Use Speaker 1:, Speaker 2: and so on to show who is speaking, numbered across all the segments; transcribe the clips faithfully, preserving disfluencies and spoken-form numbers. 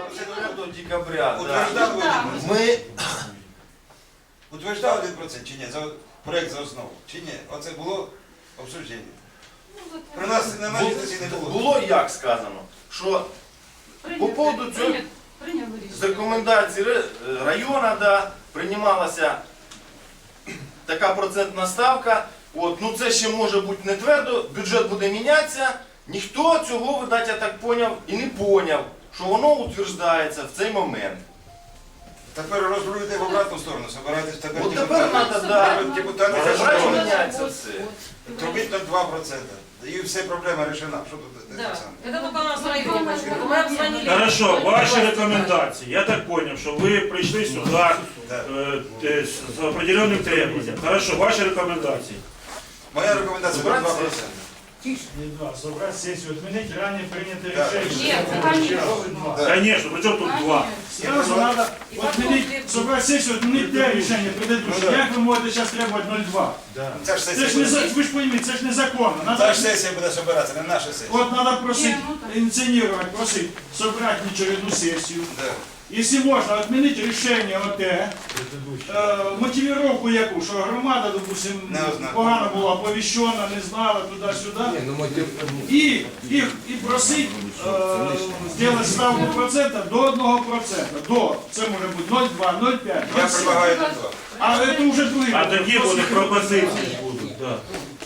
Speaker 1: до декабря.
Speaker 2: Утверждали
Speaker 1: Да.
Speaker 2: один
Speaker 1: Ми
Speaker 2: Утверждав один процент чи ні? За проєкт за основу. Чи ні? Оце було обсуждення. При нас на нашій сесії не було.
Speaker 1: було як сказано, що по поводу цього з рекомендацій району, да, приймалася така процентна ставка. От, ну це ще може бути не твердо, бюджет буде мінятися. Ніхто цього, видать, я так поняв, і не поняв, що воно утверждається в цей момент.
Speaker 2: Тепер розрулюйте в обратну сторону, собирайтесь тепер
Speaker 1: От тепер треба, да,
Speaker 2: депутати
Speaker 1: бажаю
Speaker 2: хочуть
Speaker 1: міняється все.
Speaker 2: трубить на два проценти. І все проблема рішена. Що тут те саме?
Speaker 3: Это только у нас в районе происходит. Мы обзвонили.
Speaker 4: Хорошо, ваші рекомендації. Я так понял, що ви прийшли сюди
Speaker 2: Да.
Speaker 4: е, е, з определенним требованием. Хорошо, ваші рекомендації.
Speaker 2: Моя рекомендація про два проценти.
Speaker 5: Не два, собрать сессию, отменить ранее принятое
Speaker 2: Да.
Speaker 5: решение.
Speaker 3: Нет, конечно.
Speaker 2: Да.
Speaker 4: Конечно, при чому тут два?
Speaker 5: Сразу надо отменить, собрать сессию, отменить те решения предыдущие. Як ви можете зараз требувати нуль два?
Speaker 2: Це ж
Speaker 5: Це
Speaker 2: сесія
Speaker 5: ж не
Speaker 2: буде.
Speaker 5: за- ви ж пойміть, це ж незаконно.
Speaker 2: Це
Speaker 5: Надо,
Speaker 2: ж сесія буде збиратися, не наша сесія.
Speaker 5: от надо просить, инициировать, просить собрать очередную сессию.
Speaker 2: Да.
Speaker 5: Если можно, отменить решение ОТ, е, мотивировку яку, що громада, допустим,
Speaker 2: Не знаю.
Speaker 5: погано була оповіщена, не знала туди-сюди. І, і, і просить е, зробити ставку процента до одного процента. До, це може бути нуль два, нуль п'ять,
Speaker 2: Я
Speaker 5: нуль сім.
Speaker 2: предлагаю на два.
Speaker 5: А це вже другий.
Speaker 4: А тоді буде пропозиції будуть. Да.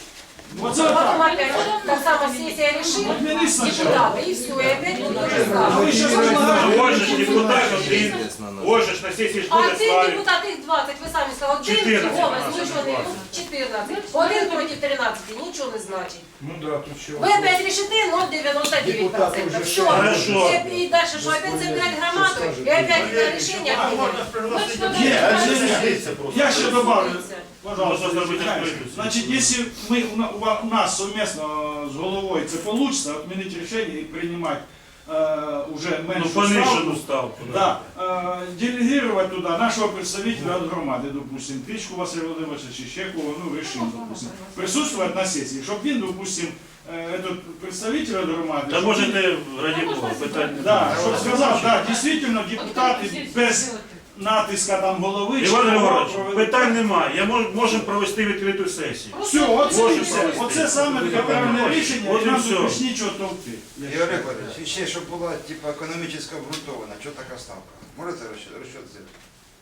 Speaker 5: Оце
Speaker 3: Потом
Speaker 5: так.
Speaker 3: опять та сама сессия решит,
Speaker 5: Отмени сначала.
Speaker 3: депутаты, и все, и опять будут то же
Speaker 5: А
Speaker 3: самое.
Speaker 5: ви зараз предлагаєте.
Speaker 4: Ось ж депутат один, ось ж на сесії
Speaker 3: А
Speaker 4: школи
Speaker 3: цих
Speaker 4: ставить.
Speaker 3: депутатів двадцять, ви самі сказали, один
Speaker 4: чотирнадцять,
Speaker 3: голос,
Speaker 4: а,
Speaker 3: ну що вони, ну, чотирнадцять. Один проти тринадцяти, нічого не значить.
Speaker 5: Ну да, тут що.
Speaker 3: Ви опять решите ноль девяносто девять процентов. Все.
Speaker 4: Хорошо.
Speaker 3: И дальше что, опять собирать громаду, и опять это решение
Speaker 5: А,
Speaker 3: отменять.
Speaker 5: можна пригласити.
Speaker 3: Ну,
Speaker 5: Є,
Speaker 3: что,
Speaker 5: а
Speaker 3: дальше?
Speaker 5: є, є. Я ще добавлю.
Speaker 4: Можна
Speaker 5: Пожалуйста,
Speaker 4: зробити
Speaker 5: знаєш,
Speaker 4: відкриту.
Speaker 5: значить, якщо ми, у на- у нас совместно з головою це вийде, відмінити рішення і приймати е, уже
Speaker 4: Ну,
Speaker 5: меншу
Speaker 4: понижену
Speaker 5: ставку,
Speaker 4: ставку.
Speaker 5: да, е, делегувати туди нашого представителя від громади, допустим, Трічку Василя Володимировича чи ще кого, ну, решим, допустим, присутствувати на сесії, щоб він, допустим, е, этот представитель від громади,
Speaker 4: Та
Speaker 5: щоб
Speaker 4: можете, раді Бога, питання.
Speaker 5: да, щоб сказав, да, дійсно, депутати без натиска там голови,
Speaker 4: Іван
Speaker 5: щоб
Speaker 4: Григорович,
Speaker 5: провели-
Speaker 4: питань немає. Я мож, можемо провести відкриту сесію.
Speaker 5: Все, оце,
Speaker 4: Може,
Speaker 5: і все.
Speaker 4: провести.
Speaker 5: Оце саме таке правильне рішення,
Speaker 4: От
Speaker 5: і
Speaker 4: і
Speaker 5: нам
Speaker 4: все.
Speaker 5: тут більш нічого товкти.
Speaker 2: Ігор Григорович, і ще, щоб була типу, економічно обґрунтована, що така ставка? Можете розчет розчет зробити?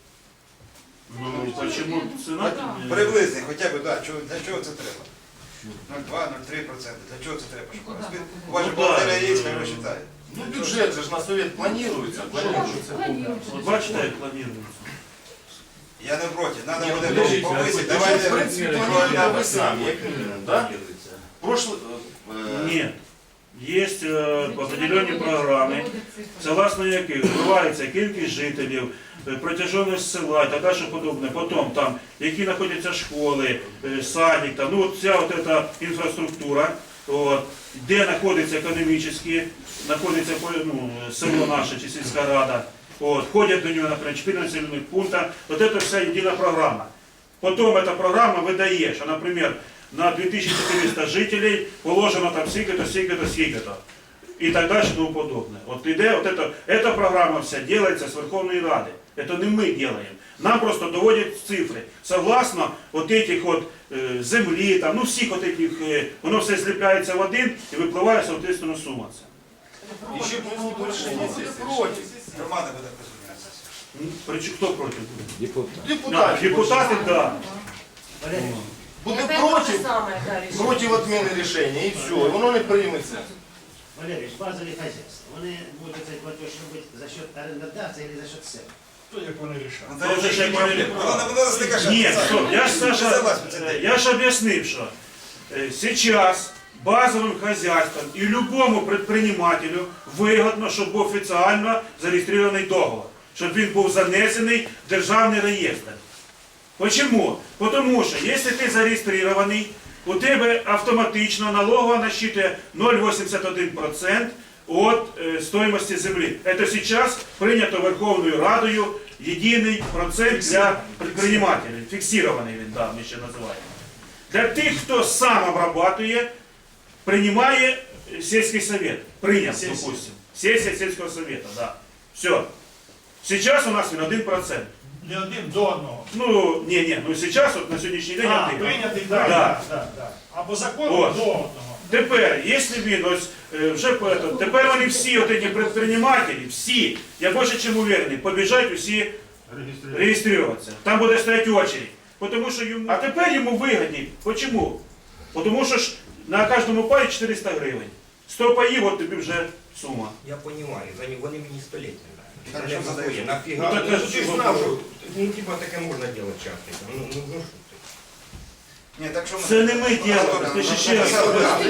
Speaker 4: Ну, почему ціна?
Speaker 2: Приблизний, хоча б, да, чого- для чого це треба? нуль два - нуль три проценти. Для чого це треба? Щоб розбити? У вас же
Speaker 4: Ну, да.
Speaker 2: бухгалтерія є, хай розчитає.
Speaker 1: Ну бюджет же ж на совет планується. Планується.
Speaker 4: От бачите, як планується.
Speaker 2: Я не проти, треба
Speaker 1: Ні,
Speaker 2: буде
Speaker 1: ну, подождіть,
Speaker 2: повисити.
Speaker 1: бюджет,
Speaker 2: Давайте
Speaker 1: в принципі, плануєте ви самі, як мінімум, да? Прошлый, е,
Speaker 4: Ні. Є е, определені програми, согласно яких вбивається кількість жителів, е, протяжність села і так далі подобне. Потім там, які знаходяться школи, е, садик, там, ну от вся от эта інфраструктура, от, де знаходиться економічно, знаходиться ну, село наше чи сільська рада, от, входять до нього, наприклад, чотири населених пункта, от це вся єдина програма. Потім ця програма видає, що, наприклад, на дві тисячі чотириста жителей положено там стільки-то, стільки-то, стільки-то. І так далі, тому подобне. От іде, от это, эта програма вся делается з Верховної Ради. Это не ми делаем. Нам просто доводять цифри. Согласно от этих от е, землі, там, ну всіх от этих, е, воно все зліпляється в один і випливає, соответственно, сума ця.
Speaker 1: і ще було до рішення сесії. Проти.
Speaker 2: Громада буде присутня на сесії.
Speaker 4: Ну, причому хто проти буде? Да,
Speaker 1: Депутати.
Speaker 4: депутати, так. Да.
Speaker 1: Буде
Speaker 3: Опять то же
Speaker 1: проти,
Speaker 3: самое, да, решить.
Speaker 1: проти відміни рішення, і все, і воно не прийметься.
Speaker 6: Валерий, базовые хозяйства. Вони будуть цей платеж робити за счет орендодавця или за счет себе?
Speaker 5: То, як вони рішають.
Speaker 2: Ну,
Speaker 4: Це вже ще
Speaker 2: Вона
Speaker 4: не-
Speaker 2: вона нас не каже.
Speaker 4: Ні, стоп, я ж,
Speaker 2: Це
Speaker 4: Саша,
Speaker 2: вас це
Speaker 4: е, я ж об'яснив, що е, сейчас базовим хозяйствам і любому предпринимателю вигідно, щоб був офіційно зареєстрований договор, щоб він був занесений в державний реєстр. Почему? Потому що, якщо ти зареєстрований, у тебе автоматично налогова насчитує ноль цілих вісімдесят один відсоток від е, стоїмості землі. Це зараз прийнято Верховною Радою єдиний процент для предпринимателей. Фіксований він, да, ми ще називаємо. Для тих, хто сам обрабатує, приймає сільський совет. Прийняв, допустим. Сесія сільського совета, да. Все. Сейчас у нас він один процент.
Speaker 5: Не один до одного.
Speaker 4: Ну, ні, ні, ну зараз от на сьогоднішній день
Speaker 5: А,
Speaker 4: один.
Speaker 5: прийнятий, так,
Speaker 4: Да.
Speaker 5: так, так. А по закону
Speaker 4: От.
Speaker 5: до одного.
Speaker 4: Тепер, якщо він ось е, вже по этому, тепер вони всі от ці предпринимателі, всі, я більше чим уверений, побіжать усі реєструватися. Там буде стояти очередь. Потому що йому... А тепер йому вигідні. Почому? Тому що ж на кожному паї чотириста гривень. сто паїв, от тобі вже сума.
Speaker 7: Я понимаю, за них вони мені століття.
Speaker 2: Хорошо,
Speaker 7: Не
Speaker 2: задаєш.
Speaker 7: заходять. Нафіга?
Speaker 4: Ну, так,
Speaker 7: Ну,
Speaker 4: а
Speaker 7: ти ж
Speaker 4: що
Speaker 7: знав,
Speaker 4: ви-
Speaker 7: що ну, типа таке можна робити часто. Ну, ну, ну, що ти?
Speaker 2: Ні, так що ми...
Speaker 4: Це не ми робимо, ти ще ще раз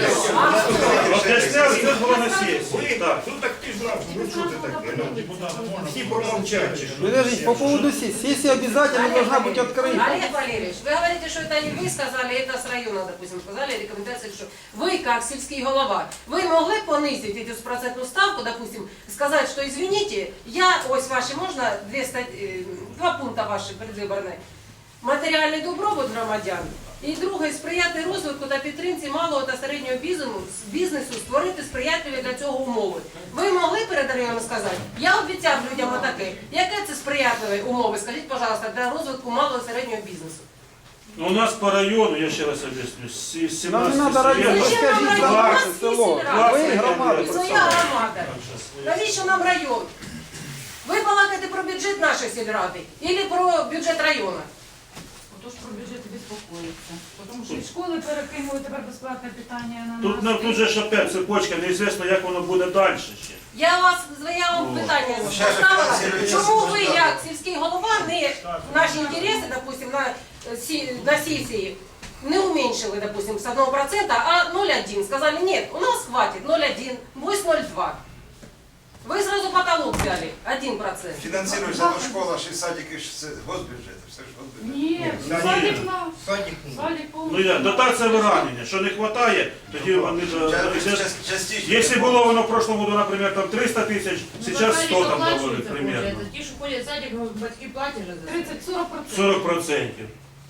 Speaker 4: об'ясняли, це було на сесії. Так.
Speaker 7: Ну так ти ж знав, ну що ти таке? Ну, всі промовчать. чи що?
Speaker 8: Подождите, по поводу сессии. Сессия обязательно должна быть открыта.
Speaker 3: Олег Валерьевич, вы говорите, что это не вы сказали, это с района, допустим, сказали рекомендации, что вы, как сельский голова, вы могли понизить эту процентную ставку, допустим, сказать, что извините, я, ось ваши, можно две стать- э, два пункта ваші предвиборні. Матеріальний добробут громадян. І друге, сприяти розвитку та підтримці малого та середнього бізнесу, бізнесу, створити сприятливі для цього умови. Ви могли перед районом сказати? Я обіцяв людям отаке. Яке це сприятливі умови, скажіть, пожалуйста, для розвитку малого і середнього бізнесу?
Speaker 4: Ну, у нас по району, я ще раз об'ясню, з
Speaker 8: Нам не
Speaker 4: сімнадцяти
Speaker 8: надо район,
Speaker 4: суб'єктів.
Speaker 3: Зачем нам
Speaker 8: расскажите
Speaker 3: район? У нас
Speaker 8: ваше
Speaker 3: есть
Speaker 8: село.
Speaker 3: сельрада.
Speaker 8: Вы громада.
Speaker 3: І своя громада. Навіщо нам район? Ви балакаєте про бюджет нашої сільради або про бюджет району?
Speaker 9: Тож про бюджет безпокоїться. Тому що і школи перекинули тепер безплатне питання на
Speaker 4: Тут,
Speaker 9: нас.
Speaker 4: ну, тут же ж опять цепочка, неізвісно, як воно буде далі ще.
Speaker 3: Я вас я вам питання
Speaker 2: Щас же
Speaker 3: поставила.
Speaker 2: фінансується
Speaker 3: Чому ви,
Speaker 2: держава.
Speaker 3: як сільський голова, не наші інтереси, допустим, на, е, сі- на сесії не уменьшили, допустим, с одного процента, а ноль целых одна десятая. Сказали, нет, у нас хватит ноль целых одна, пусть ноль целых два. Вы сразу потолок взяли, один процент.
Speaker 2: Фінансується то школа, ще садики, ще це госбюджет, все ж госбюджет.
Speaker 9: Ні,
Speaker 4: Ні.
Speaker 9: садик на
Speaker 7: Садик.
Speaker 9: садик
Speaker 4: Ну,
Speaker 9: повністю.
Speaker 4: я, дотація виранення, що не вистачає, тоді вони... до-
Speaker 2: Ча-
Speaker 4: до-
Speaker 2: час- частіше.
Speaker 4: Якщо було воно в прошлом году, наприклад, там триста тисяч, зараз сто там говорить примерно.
Speaker 10: Ті, що ходять в садик, батьки платять же за це.
Speaker 9: тридцать-сорок процентов.
Speaker 4: сорок процентів.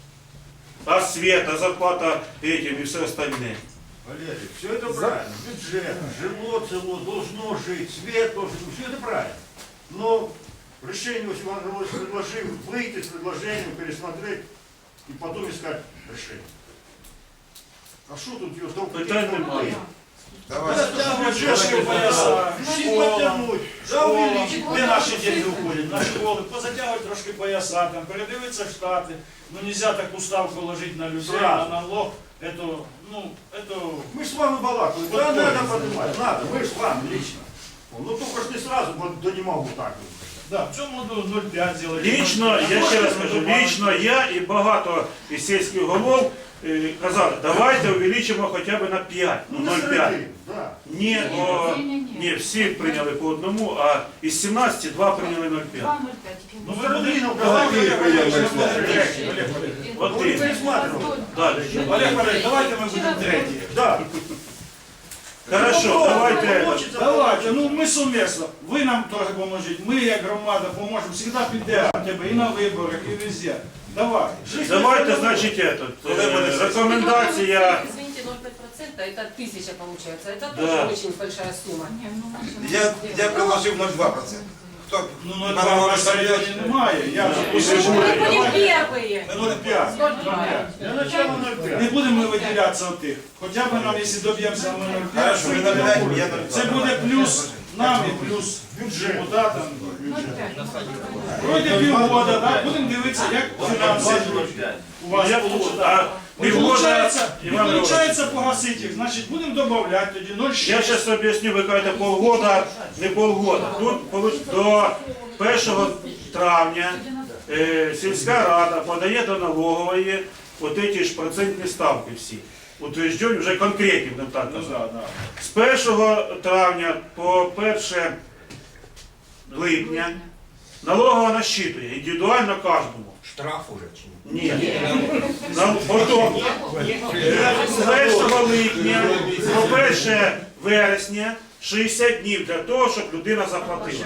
Speaker 4: А света, зарплата этим и все остальное.
Speaker 11: Валерий, все это правильно. Бюджет, жило, село должно жить, свет должен быть, все это правильно. Но решение Василий Иванович предложил выйти с предложением, пересмотреть и потом искать решение. А что тут ее только
Speaker 4: Питань немає.
Speaker 2: Давайте.
Speaker 5: Трошки пояса, школа,
Speaker 11: потянуть, да
Speaker 5: школа,
Speaker 11: увеличить.
Speaker 5: де наші діти уходять, на школи, позатягувати трошки пояса, там, передивитися штати. Ну, нельзя таку ставку ложити на людей, на
Speaker 11: Сразу.
Speaker 5: налог. Это, ну, это...
Speaker 11: Мы с вами балакали,
Speaker 5: Вот
Speaker 11: да,
Speaker 5: то
Speaker 11: надо
Speaker 5: есть.
Speaker 11: поднимать, надо, мы с вами лично. Ну только ж не сразу, вот, да не могу так.
Speaker 5: Да, в цьому году ноль целых пять зробити.
Speaker 4: Лічно, я ще раз кажу, лічно я і багато із сільських голов е, казали, давайте увеличимо хоча б на п'ять, ну
Speaker 11: Ну,
Speaker 4: ноль
Speaker 11: на
Speaker 4: цілих п'ять.
Speaker 11: середину, да.
Speaker 4: Ні, о, ні, всі прийняли по одному, а із сімнадцяти два прийняли ноль цілих п'ять.
Speaker 9: два ноль пять.
Speaker 5: Ну, ви будете...
Speaker 11: Середину,
Speaker 5: Давайте,
Speaker 11: давайте,
Speaker 5: Олег Валерійович,
Speaker 11: давайте,
Speaker 5: ми будемо
Speaker 11: давайте.
Speaker 5: третій. Олег Валерійович.
Speaker 4: От
Speaker 11: Ну,
Speaker 4: ти.
Speaker 11: пересматривал.
Speaker 4: Далі.
Speaker 5: Олег Валерійович, давайте ми будемо треті.
Speaker 11: Да.
Speaker 4: Хорошо, давайте.
Speaker 5: Давайте, ну ми сумісно. Ви нам трохи поможіть, ми як громада поможемо, завжди підемо тебе і на виборах, і везде. Давай.
Speaker 4: Давайте, значить, этот, е, рекомендація.
Speaker 3: Извините, ноль целых пять процента, это тысяча получается. Это
Speaker 4: Да.
Speaker 3: тоже очень большая сумма.
Speaker 9: Ні, ну, наші
Speaker 2: Я,
Speaker 9: не
Speaker 2: я предложив ноль целых два процента. Хто?
Speaker 5: Ну,
Speaker 2: Пане
Speaker 5: ну, два
Speaker 2: Володимир
Speaker 5: на районі
Speaker 2: Сергійович?
Speaker 5: немає. Я вже
Speaker 3: Мы
Speaker 5: пишу.
Speaker 3: будем первые.
Speaker 5: ноль п'ять.
Speaker 3: ноль целых два.
Speaker 11: Для начала ноль
Speaker 5: Не
Speaker 11: пять.
Speaker 5: будемо ми виділятися от тих. Хоча б нам, якщо доб'ємося ми ноль п'ять,
Speaker 2: Хорошо, ви ноль целых пять, я ноль целых два.
Speaker 5: це буде плюс нам і плюс депутатам.
Speaker 9: ноль пять.
Speaker 5: Пройде півгода, так? Будемо дивитися, як фінанси у вас
Speaker 4: Я
Speaker 5: вийде.
Speaker 4: а
Speaker 5: Не
Speaker 4: півгода,
Speaker 5: виходить, не
Speaker 4: Іван Григорович,
Speaker 5: виходить погасити їх, значить будемо додавати тоді ноль цілих
Speaker 4: я
Speaker 5: шість.
Speaker 4: зараз об'ясню, ви кажете полгода, не полгода. Тут получ- до першого травня е, сільська рада подає до налогової от ці ж процентні ставки всі. Утверждені вже конкретні, не так
Speaker 5: Ну,
Speaker 4: казати.
Speaker 5: да, да.
Speaker 4: З першого травня по перше липня налогова насчитує індивідуально кожному.
Speaker 7: Штраф уже чи ні?
Speaker 4: Ні. Нам потім з першого липня по перше вересня шістдесят днів для того, щоб людина заплатила.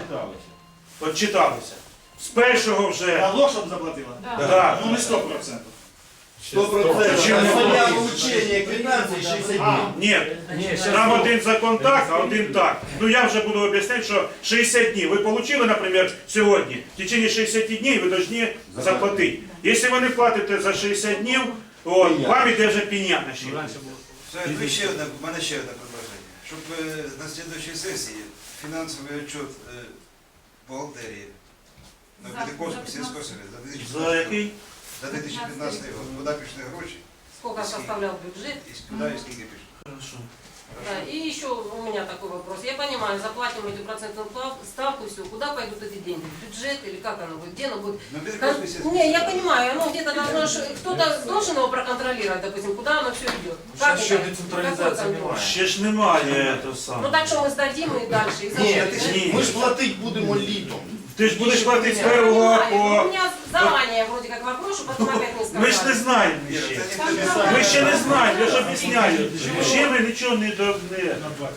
Speaker 4: Отчиталися. З першого вже
Speaker 5: Налог, щоб заплатила?
Speaker 9: Да.
Speaker 4: да,
Speaker 5: Ну не сто процентів.
Speaker 1: сто процентов.
Speaker 4: Почему?
Speaker 1: Для получения квитанции шестьдесят дней.
Speaker 4: Ні, там один закон так, а один так. Ну я вже буду об'ясняти, що шістдесят днів. Ви отримали, наприклад, сьогодні, в течение шістдесят днів ви повинні заплатити. Якщо ви не платите за шістдесят днів, от, вам іде вже пеня на ще.
Speaker 2: Все, ну, ще одне, в мене ще одне предложення. Щоб е, на слідуючій сесії фінансовий отчет е, бухгалтерії на Пятиковську сільського совєту за дві тисячі
Speaker 4: За
Speaker 2: п'ятнадцятий
Speaker 4: який?
Speaker 2: за дві тисячі п'ятнадцятий год. Куди пішли гроші
Speaker 3: Сколько составлял бюджет?
Speaker 2: і куди і скільки пішли.
Speaker 4: Хорошо.
Speaker 3: Да, и еще у меня такой вопрос. Я понимаю, заплатим эту процентную плав- ставку, все, куда пойдут эти деньги? В бюджет или как оно будет? Где оно будет?
Speaker 2: На Пятиковській сільській.
Speaker 3: Не, я понимаю, оно где-то должно, ш- кто-то должен его проконтролировать, допустим, куда оно все идет. Как
Speaker 1: Сейчас еще
Speaker 3: это?
Speaker 1: децентрализация
Speaker 3: Какой контроль?
Speaker 1: немає.
Speaker 4: Ще ж немає того
Speaker 3: Ну
Speaker 4: самого.
Speaker 3: так что мы сдадим и дальше? И
Speaker 1: Ні,
Speaker 3: забудем, да?
Speaker 1: ми ж платити будемо літом.
Speaker 4: Ти ж будеш платити з
Speaker 3: Я
Speaker 4: первого
Speaker 3: понимаю,
Speaker 4: по...
Speaker 3: у меня заранее вроде как вопрос, чтобы потом опять не сказали.
Speaker 4: Ми ж не знаємо ще. Ми ще не знаємо, я ж об'ясняю. Ще ми нічого не до... не-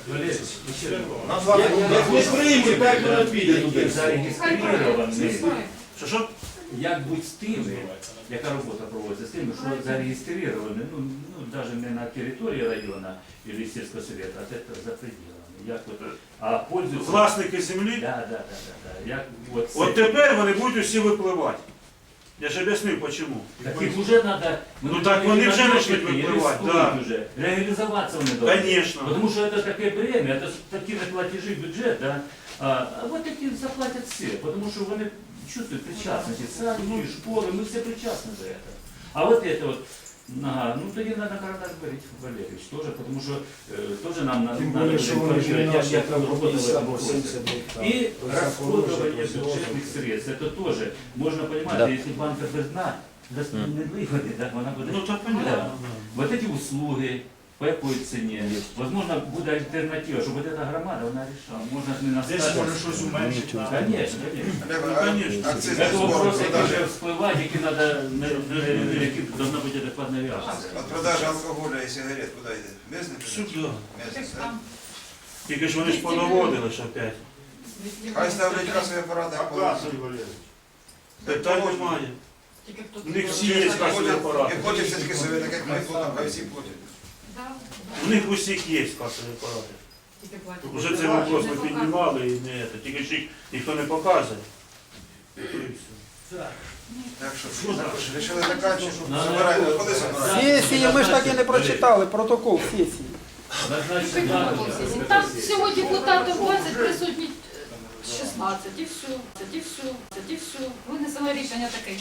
Speaker 1: На два
Speaker 7: Не приймуть, так воно піде туди.
Speaker 9: Зареєстровані.
Speaker 4: Що, що?
Speaker 12: Як бути з тими, яка робота проводиться з тими, що зареєстровані, ну, ну навіть не на території району або сільського совєту, а це за пределами. Як от, а пользуються...
Speaker 4: Власники землі?
Speaker 12: Да, да, да, да, да. Як, от,
Speaker 4: От
Speaker 12: це-
Speaker 4: тепер вони будуть усі випливати. Я ж об'яснив, чому.
Speaker 12: Так їх вже треба...
Speaker 4: Ну так вони вже почнуть випливати, да.
Speaker 12: Вже. Реалізуватися вони повинні.
Speaker 4: Конечно.
Speaker 12: Тому що це таке бремя, це ж такі неплатежі в бюджет, да? а, а от такі заплатять всі, тому що вони чувствують причастность. І садики, ну і школи, ми всі причастні до этого. А вот это вот, ага, ну тоді треба карандаш говорити, Валерійович, теж, тому що е, теж нам надо буде інформувати, як там робота в этом вопросе. И расходование бюджетных средств, это тоже, можно понимать, да. Если банка без дна, даст не виходи, да, вона буде...
Speaker 4: Ну так понятно.
Speaker 12: Вот эти услуги, по якій ціні, возможно, буде альтернатива, щоб вот эта громада, вона рішала, можна ж не
Speaker 5: Десь
Speaker 12: наставити.
Speaker 5: може щось уменшити.
Speaker 12: Конечно, конечно.
Speaker 2: Олег,
Speaker 4: Ну,
Speaker 2: а
Speaker 4: конечно.
Speaker 2: акцизний
Speaker 12: Это
Speaker 2: збор
Speaker 12: вопрос, який
Speaker 2: продажі,
Speaker 12: вже вспливає, який треба, які должна бути адекватна реакція.
Speaker 2: от продажі алкоголя і сигарет куди йде? Мезне?
Speaker 4: Сюди.
Speaker 2: Мезне, так?
Speaker 4: Тільки ж вони ж понаводили ж опять.
Speaker 2: Хай ставлять касові апарати,
Speaker 11: А
Speaker 2: як положено.
Speaker 11: касса, Валерий.
Speaker 4: Питань немає.
Speaker 9: Тільки хто
Speaker 4: У них всі є касові апарати.
Speaker 2: І потім все-таки совет, так як ми платимо, хай всі платять.
Speaker 4: У них усіх є касові апарати.
Speaker 9: Тільки платять.
Speaker 4: Уже цей вопрос ми піднімали і не це. Тільки ж їх ніхто не показує. І то і все.
Speaker 2: Так що, також рішили заканчувати. Забираємо, коли забираємо?
Speaker 8: Сесії ми ж так і не прочитали, протокол сесії.
Speaker 12: Назначить дату.
Speaker 9: Там всього депутатів двадцять, присутні шістнадцять, і все, і все, і все. Винесено рішення таке.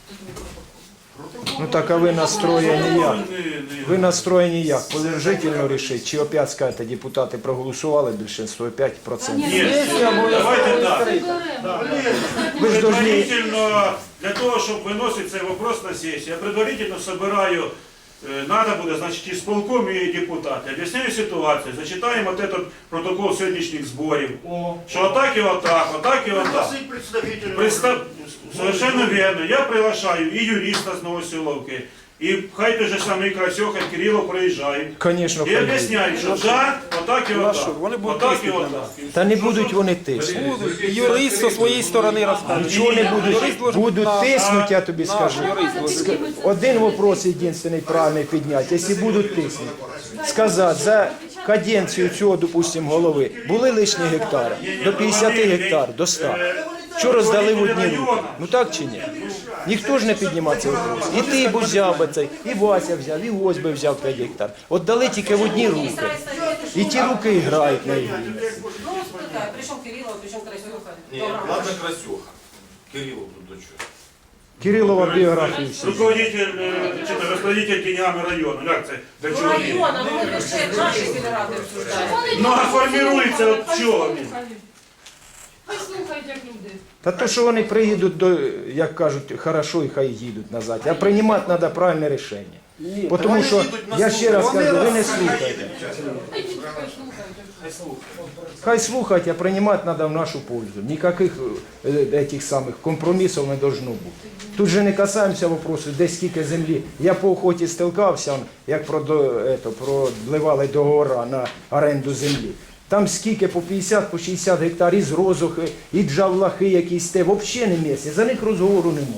Speaker 13: Ну так а ви настроєні як?
Speaker 4: Не- не-
Speaker 13: Ви настроєні як? Положительно рішити? Чи опять скажете, депутати проголосували більшинство п'ять відсотків?
Speaker 4: Ні,
Speaker 8: Сесія
Speaker 4: давайте так.
Speaker 13: Ви ж должны...
Speaker 4: Предварительно, для того, щоб виносити цей вопрос на сесію, я предварительно собираю, э, надо буде, значить, ісполком і депутати. Об'ясняю ситуацію, зачитаємо от этот протокол сьогоднішніх зборів, що отак і отак, отак і отак.
Speaker 11: Пригласить представителя.
Speaker 4: Представ... Совершенно верно. Я приглашаю і юриста з Новоселовки, і хай той же самий Красьоха, Кирилов приїжджають.
Speaker 13: Звісно,
Speaker 4: І об'ясняють, що да, отак і
Speaker 8: Ну, а що,
Speaker 4: отак.
Speaker 8: вони будуть
Speaker 4: Отак і
Speaker 8: тиснути на
Speaker 4: отак.
Speaker 8: нас.
Speaker 13: Та не будуть вони тиснути.
Speaker 8: Будуть. І юрист зі своєї сторони розкаже.
Speaker 13: Нічого не
Speaker 8: Юрист
Speaker 13: будуть.
Speaker 8: должен
Speaker 13: Будуть
Speaker 8: на-
Speaker 13: тиснути, я тобі
Speaker 8: наш
Speaker 13: скажу.
Speaker 8: юрист должен.
Speaker 13: Один вопрос єдиний правильний підняти. Якщо будуть тиснути, сказати, за каденцію цього, допустимо, голови, були лишні гектари, до п'ятдесят гектар, до ста. Що роздали в одні руки? Ну так чи ні? Ніхто ж не піднімав цей вопрос. І ти б взяв би цей, і Вася взяв, і ось би взяв п'ять гектар. От дали тільки в одні руки. І ті руки грають на ігрі.
Speaker 3: Ну, спитай, причому Кирилов, причому Красюха.
Speaker 1: Ні, ладно, Красюха. Кирилов тут до чого.
Speaker 13: Кирилова біографія всі.
Speaker 4: Руководитель, э, чи то розпорядитель деньгами району. Як це? Для
Speaker 3: Ну,
Speaker 4: чого він?
Speaker 3: района, ну, ми ще наші федерати обсуждаємо.
Speaker 4: Ну, а формирується от чого він?
Speaker 9: Хай слухають, як люди.
Speaker 13: Та то, що вони приїдуть до, як кажуть, хорошо, і хай їдуть назад. А приймати треба правильне рішення.
Speaker 8: Ні,
Speaker 13: Бо Тому що, я ще раз
Speaker 8: Вони
Speaker 13: кажу, ви не
Speaker 8: раз-
Speaker 13: слухайте.
Speaker 9: Хай діти хай слухають.
Speaker 1: Хай слухай.
Speaker 13: Хай слухати, а приймати треба в нашу пользу. Ніяких е, этих самих компромісів не должно бути. Тут же не касаємося вопросу, де скільки землі. Я по охоті стикався, як продо- ето, продливали договори на оренду землі. Там скільки по п'ятдесят, по шістдесят гектарів з розухи, і джавлахи якісь те, взагалі не місце. За них розговору нема.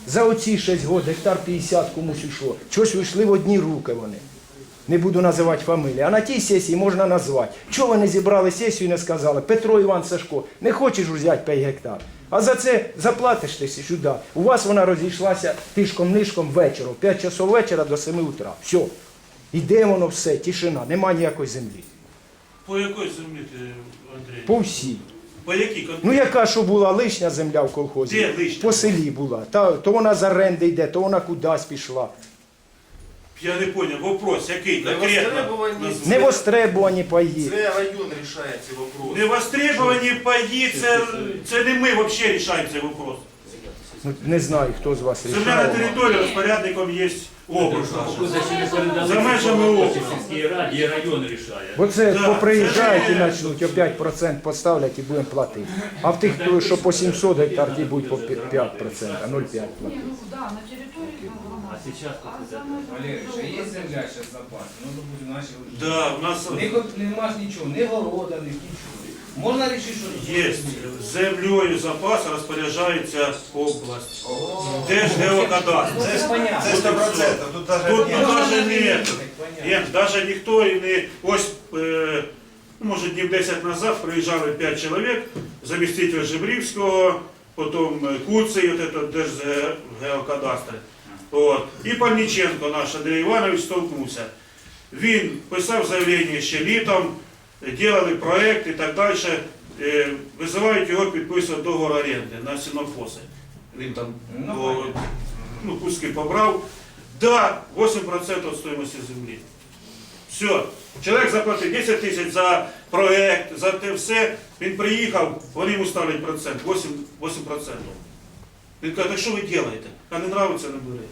Speaker 13: За оці шість років гектар п'ятдесят комусь йшло. Чогось вийшли в одні руки вони. Не буду називати фамілії. А на тій сесії можна назвати. Чого вони зібрали сесію і не сказали? Петро Іван Сашко, не хочеш взяти п'ять гектар. А за це заплатиш ти сюди. У вас вона розійшлася тишком-нишком вечором. п'ять часов вечора до семи утра. Все. Іде воно все, тишина, нема ніякої землі.
Speaker 4: По якій землі ти, Андрій?
Speaker 13: По всій.
Speaker 4: По якій конкретно?
Speaker 13: Ну яка, що була лишня земля в колхозі?
Speaker 4: Де лишня?
Speaker 13: По селі була. Та, то вона з оренди йде, то вона кудись пішла.
Speaker 4: Я не зрозумів, вопрос, який
Speaker 1: Не
Speaker 4: конкретно?
Speaker 1: востребовані,
Speaker 13: Не востребувані паї.
Speaker 1: це район рішає ці вопроси.
Speaker 4: Не востребовані паї, це, це не ми взагалі рішаємо цей вопрос.
Speaker 13: Ну, не знаю, хто з вас
Speaker 4: Земля на
Speaker 13: рішає.
Speaker 4: території розпорядником є область наша. За
Speaker 12: За
Speaker 4: межами області.
Speaker 12: сільській раді і район рішає.
Speaker 13: Бо це
Speaker 4: Да,
Speaker 13: поприїжджають
Speaker 4: це
Speaker 13: і
Speaker 4: ж-
Speaker 13: почнуть, опять процент поставлять і будемо платити. А в тих, хто, що по сімсот гектар, ті будуть по п'ять процентів, а нуль цілих п'ять
Speaker 9: Ні,
Speaker 13: платити.
Speaker 9: ну да, на території громади.
Speaker 12: А сейчас
Speaker 9: А
Speaker 12: как
Speaker 9: за
Speaker 12: это?
Speaker 9: межами
Speaker 14: Валерій, ще є
Speaker 9: громади.
Speaker 14: земля зараз запас? Ну, допустим, наші
Speaker 4: Да, у нас
Speaker 14: Ні, нема ж нічого, ні города, ні нічого. Можна рішити, що
Speaker 4: є землею запасу розпоряджається область. Держгеокадастр.
Speaker 14: Це ж понятно.
Speaker 2: Це сто процентів. Тут навіть
Speaker 4: Тут
Speaker 2: ні.
Speaker 4: навіть не,
Speaker 14: Понятно.
Speaker 4: Єм, навіть ніхто і не, ось, е, може днів десять назад приїжджали п'ять чоловік, заміститель Жебрівського, потім Куций, от этот Держгеокадастр. От. І Пальниченко наш Андрій Іванович столкнувся. Він писав заявлення ще літом, делали проект і так далі. Е, Визивають його підписувати договор оренди на сінокоси. Він там
Speaker 14: Ну,
Speaker 4: о, ну, куски побрав. Да, вісім відсотків від стоїмості землі. Все. Чоловік заплатив десять тисяч за проект, за те все. Він приїхав, вони йому ставлять процент, вісім відсотків. Він каже, так що ви робите? А не подобається, не бери.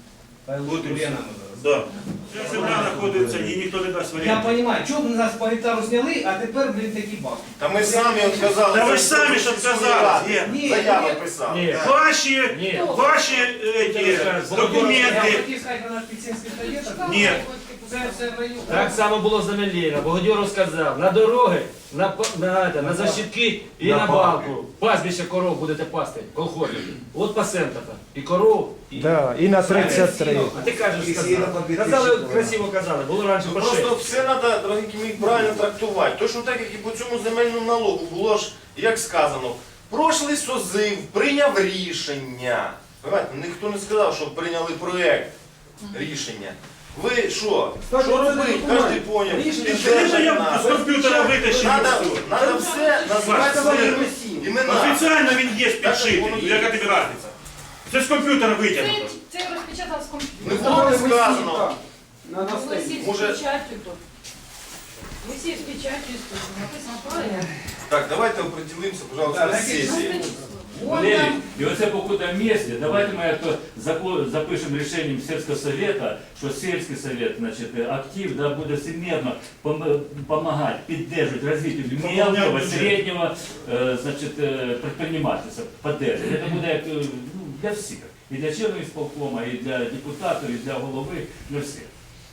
Speaker 4: От і все. Да. Ця земля знаходиться і ніхто не дасть
Speaker 14: Я
Speaker 4: варіант.
Speaker 14: розумію, чого б нас по гектару зняли, а тепер, блін, такі бабки.
Speaker 1: Та ми самі от казали.
Speaker 4: Та ви
Speaker 1: це
Speaker 4: самі ж
Speaker 1: сільської
Speaker 4: сказали,
Speaker 1: ради.
Speaker 4: є.
Speaker 14: Ні,
Speaker 1: Заяви
Speaker 14: ні.
Speaker 1: писали.
Speaker 12: Ні.
Speaker 4: Ваші,
Speaker 12: Ні.
Speaker 4: ваші е, ті,
Speaker 14: Я
Speaker 4: документи.
Speaker 14: хотів сказати, на наш Піцинський совєт,
Speaker 4: Ні.
Speaker 14: це все в районі.
Speaker 15: Так само було за Меліна. Богодьоров сказав, на дороги, на, п- на, на, на защитки і на, балку. Пастбище коров будете пасти, колхозі. От пасента-то. І коров, і...
Speaker 13: Да, і на тридцять три.
Speaker 15: А ти кажеш,
Speaker 2: І сіно
Speaker 15: сказав.
Speaker 2: по дві
Speaker 15: Казали,
Speaker 2: тисячі
Speaker 15: красиво казали, було раніше
Speaker 1: Ну,
Speaker 15: по шесть.
Speaker 1: просто все треба, дорогі мої, правильно трактувати. То, що так, як і по цьому земельному налогу було ж, як сказано, прошлий созив прийняв рішення. Понимаєте, ніхто не сказав, що прийняли проєкт рішення. Ви що? Що робити? Кожен поняв.
Speaker 4: Це ж я з комп'ютера витащив.
Speaker 1: Надо,
Speaker 4: і все.
Speaker 1: надо все назвати
Speaker 4: Все.
Speaker 1: своїми імена.
Speaker 4: Офіційно він є
Speaker 1: Так, воно
Speaker 4: підшитий.
Speaker 1: є.
Speaker 4: Яка тобі різниця? Це з комп'ютера витягнуто.
Speaker 9: Це, це розпечатав з
Speaker 1: Не
Speaker 9: комп'ютера.
Speaker 1: було не сказано.
Speaker 9: Висіть з
Speaker 1: Може-
Speaker 9: печаттю тут. Висіть з печаттю і тут. Написано проект.
Speaker 1: Так, давайте определимося, пожалуйста,
Speaker 14: Так,
Speaker 1: з сесії.
Speaker 12: Валерий, и вот это по какому-то месте, давайте мы это зако- запишем решением сельского совета, что сельский совет, значит, актив, да, будет всемерно пом- помогать, поддерживать развитие мелкого, среднего, э, значит, э, предпринимательства, поддерживать. Это будет э, ну, для всех. И для членов исполкома, и для депутатов, и для головы, для всех.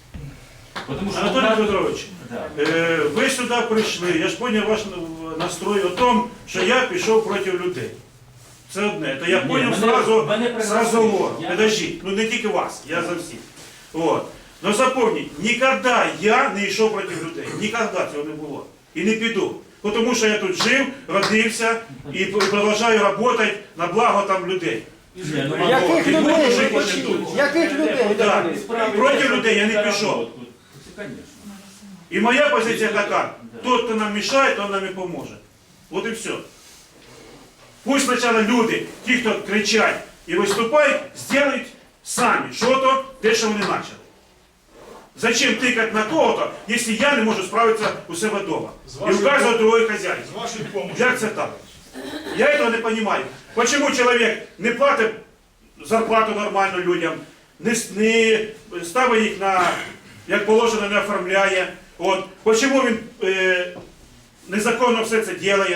Speaker 12: Потому что
Speaker 4: Анатолій Петрович,
Speaker 12: да.
Speaker 4: е, ви сюди прийшли, я ж зрозумів ваш настрой о тому, що я пішов проти людей. Це одне. То я
Speaker 12: Ні,
Speaker 4: зрозумів
Speaker 12: мене-
Speaker 4: сразу
Speaker 12: мене
Speaker 4: з розговору.
Speaker 12: Я-
Speaker 4: Подождіть, ну не тільки вас, я за всіх. От. Но запомніть, ніколи я не йшов проти людей. Ніколи цього не було. І не піду. Тому що я тут жив, родився і продовжую працювати на благо там людей.
Speaker 12: Не, ну,
Speaker 8: Яких
Speaker 4: І буду
Speaker 8: людей?
Speaker 4: жити потім тут.
Speaker 8: Яких людей?
Speaker 4: Да.
Speaker 12: Справи-
Speaker 4: Проти людей я не пішов.
Speaker 12: Це, конечно.
Speaker 4: І моя позиція така, тот, хто нам мішає, той нам і поможе. От і все. Пусть спочатку люди, ті, хто кричать і виступають, зроблять самі що-то, те, що вони почали. Зачем тикати на кого-то, якщо я не можу справитися у себе вдома? І вказувати другої хазяїна.
Speaker 5: З вашою допомогою.
Speaker 4: Як це так? Я цього не розумію. Чому чоловік не платить зарплату нормально людям, не, с- не ставить їх на, як положено, не оформляє. От. Чому він е, незаконно все це робить?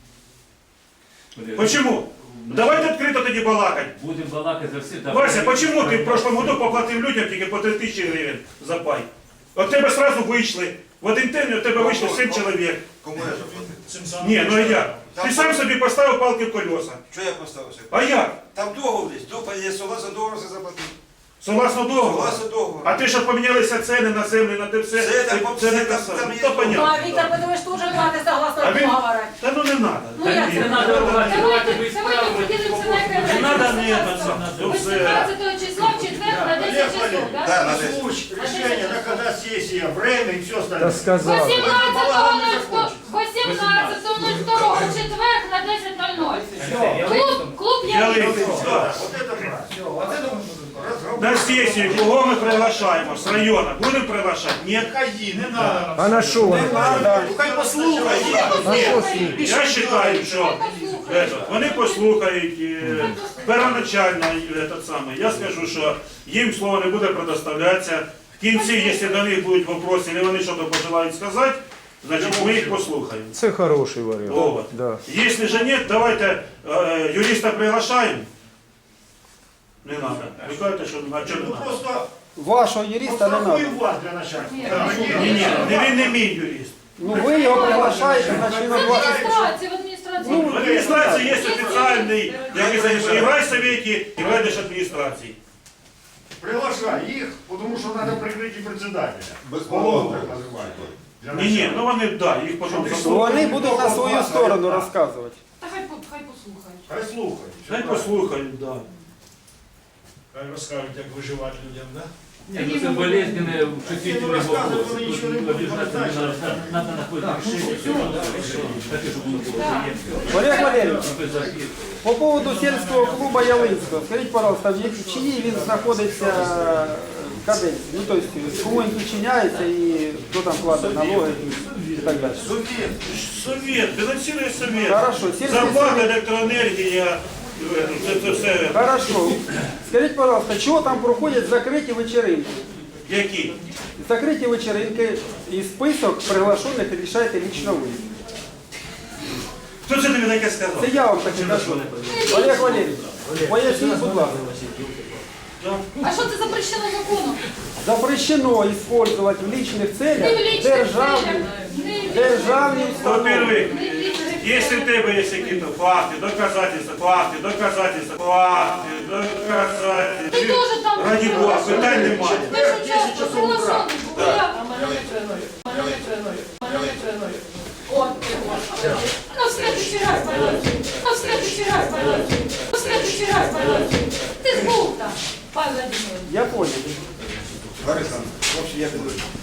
Speaker 4: Почему? Давайте відкрито тоді балакати.
Speaker 12: Будем балакать за всіх. да.
Speaker 4: Вася, почему ти в прошлом году поплатив людям тільки по три тисячі гривень за пай? От тебе сразу вийшли. В один день у тебе вийшло сім чоловік.
Speaker 2: Кому я заплатив?
Speaker 5: цим самим.
Speaker 4: Ні, ну як? Ти сам собі поставив палки в колеса.
Speaker 2: Що я поставився?
Speaker 4: А як?
Speaker 2: Там договор десь, договор є, согласно договору все заплатив.
Speaker 4: Согласно договору?
Speaker 2: Согласно договору.
Speaker 4: А ти, що помінялися ціни на землю, на те все,
Speaker 2: Це там,
Speaker 4: це не
Speaker 2: там,
Speaker 4: те
Speaker 2: там
Speaker 4: саме.
Speaker 2: є
Speaker 4: То понятно.
Speaker 3: А Віктор Петрович теж платить согласно
Speaker 4: А він-
Speaker 3: договору.
Speaker 4: Та ну не треба.
Speaker 3: Ну як це?
Speaker 12: Не надо ругати, давайте ви
Speaker 9: Давайте поділимося на окремі.
Speaker 4: Не треба, ні, це саме. То все.
Speaker 9: вісімнадцятого числа в четвер на десять часов,
Speaker 2: Да,
Speaker 9: так?
Speaker 2: на десять.
Speaker 11: Случай, решение, на когда сессия, время и все
Speaker 13: Та
Speaker 11: остальное.
Speaker 13: сказав.
Speaker 9: вісімнадцятого нуль другого в четвер на десять нуль нуль. Клуб, клуб
Speaker 4: Ялинку,
Speaker 9: Ялинка.
Speaker 4: да.
Speaker 11: Вот это правильно.
Speaker 4: На сесію кого ми приглашаємо? З району. Будемо приглашати? Ні.
Speaker 5: Хаї, не треба.
Speaker 13: А на що вони?
Speaker 1: Ну хай послухає.
Speaker 13: На що слухати?
Speaker 4: Я вважаю, що это, вони послухають е, первоначально е, этот самий. Я скажу, що їм слово не буде предоставлятися. В кінці, якщо до них будуть вопроси, і вони щось пожелають сказати, значить ми їх послухаємо.
Speaker 13: Це хороший варіант.
Speaker 4: Вот.
Speaker 13: Да.
Speaker 4: Если же нет, давайте э, юриста приглашаем. Не надо. Вы кажете, что на чому не
Speaker 11: Ну
Speaker 4: надо?
Speaker 11: просто
Speaker 13: Вашого юриста не
Speaker 11: пострахуй
Speaker 13: треба.
Speaker 11: вас для начальства.
Speaker 4: Ні, ні, не він не мій юрист.
Speaker 13: Ну ви його приглашаєте на члена
Speaker 9: В
Speaker 13: вашої.
Speaker 9: адміністрації, в адміністрації.
Speaker 4: В адміністрації є офіційний, який займається і в райсовєті, і в райдержадміністрації.
Speaker 11: Приглашай их, потому что надо прикрыть и председателя.
Speaker 7: Безповоротно.
Speaker 11: Голову так называют. Для
Speaker 4: Ні, ні,
Speaker 11: начала.
Speaker 4: ну вони, да, їх потім
Speaker 13: Ну,
Speaker 4: заслухають.
Speaker 13: вони будуть на свою сторону розказувати.
Speaker 9: Та хай, по- хай послухають.
Speaker 11: Хай слухай.
Speaker 4: Хай послухають, да.
Speaker 5: Хай розкажуть, як виживати людям, да?
Speaker 12: Нет, ну это болезненные, чувствительные
Speaker 11: рассказывать
Speaker 12: вопросы.
Speaker 11: вы ничего
Speaker 12: Тут
Speaker 11: не будете,
Speaker 12: обязательно
Speaker 11: вот
Speaker 12: надо,
Speaker 11: так.
Speaker 12: надо находить решение. Все, так, чтобы оно было приемлемо.
Speaker 13: Олег Валерійович,
Speaker 12: Ну, то есть записывать.
Speaker 13: по поводу сільського клубу Ялинського, скажіть, пожалуйста, в якій- чиїй він знаходиться в каденції? Ну, тобто, кому він підчиняється і хто там платить налоги і так далі.
Speaker 4: Совет, совет, фінансує совет.
Speaker 13: Хорошо, сільський
Speaker 4: Зарплата,
Speaker 13: совет.
Speaker 4: електроенергія, е, це, це все.
Speaker 13: Хорошо. Скажіть, пожалуйста, чого там проходять закриті вечеринки?
Speaker 4: Які?
Speaker 13: Закриті вечеринки і список приглашених рішаєте лично ви.
Speaker 4: Хто це тобі таке сказав?
Speaker 13: Це я вам таке кажу. Олег Валерійович, поясніть, будь ласка.
Speaker 9: А що це запрещено законом?
Speaker 13: Запрещено использовать в личных
Speaker 9: Не в
Speaker 13: целях
Speaker 9: личних
Speaker 13: державні,
Speaker 9: целях, не в
Speaker 13: державні установи.
Speaker 4: Во-первых, если в тебе есть какие-то факты, доказательства, факты, доказательства, факты, доказательства.
Speaker 9: Ти теж там
Speaker 4: Ради Бога, питань немає.
Speaker 9: Ти ж участвував, приглашений був. Я. От ти от. Ну, в следующий раз, пожалуйста. Ну, в следующий раз, пожалуйста. Ну, в следующий раз, пожалуйста. Ти ж був там, пан Владимирович.
Speaker 13: Я понял.
Speaker 2: Лариса, в общем, я піду.